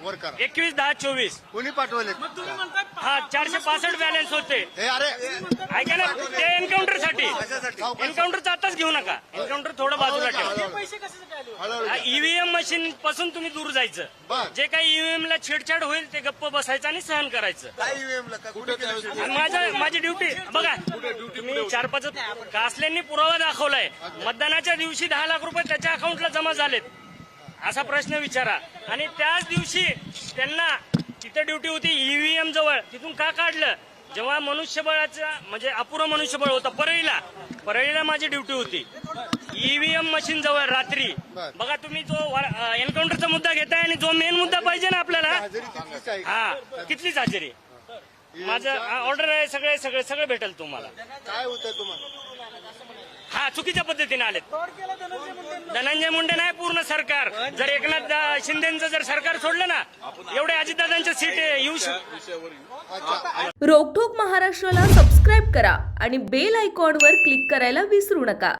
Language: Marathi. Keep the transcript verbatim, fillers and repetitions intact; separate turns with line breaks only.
वर करा.
एकवीस दहा चोवीस
कोणी पाठवले?
हा चारशे पासष्ट बॅलन्स होते.
हे अरे
ऐका ना, ते एन्काउंटर साठी एन्काउंटरचा आताच घेऊ नका. एन्काउंटर थोडं बाजूला ठेवा. ईव्हीएम मशीन पासून तुम्ही दूर जायचं. जे काही ईव्हीएम ला छेडछाड होईल ते गप्प बसायचं आणि सहन करायचं. आणि माझं माझी ड्युटी बघा, तुम्ही चार पाच कासल्यांनी पुरावा दाखवलाय. मतदानाच्या दिवशी दहा लाख रुपये त्याच्या अकाउंटला जमा झालेत असा प्रश्न विचारा. आणि त्याच दिवशी त्यांना तिथे ड्युटी होती ईव्हीएम जवळ, तिथून का काढलं? जेव्हा मनुष्यबळाचा म्हणजे अपुरं मनुष्यबळ होतं परळीला, परळीला माझी ड्युटी होती. ईव्हीएम मशीन जवळ रात्री बघा तुम्ही जो एन्काउंटरचा मुद्दा घेताय आणि जो मेन मुद्दा पाहिजे ना आपल्याला, हा कितलीच हजेरी. माझं ऑर्डर आहे, सगळे सगळे सगळे भेटेल तुम्हाला.
काय होतं तुम्हाला?
हा चुकीच्या पद्धतीने आलेत. धनंजय मुंडे नाही, पूर्ण सरकार. जर एकनाथ शिंदेचं जर सरकार सोडलं ना, एवढे अजितदादांच्या सीट येऊ शकतो.
रोकठोक महाराष्ट्राला सबस्क्राईब करा आणि बेल आयकॉनवर क्लिक करायला विसरू नका.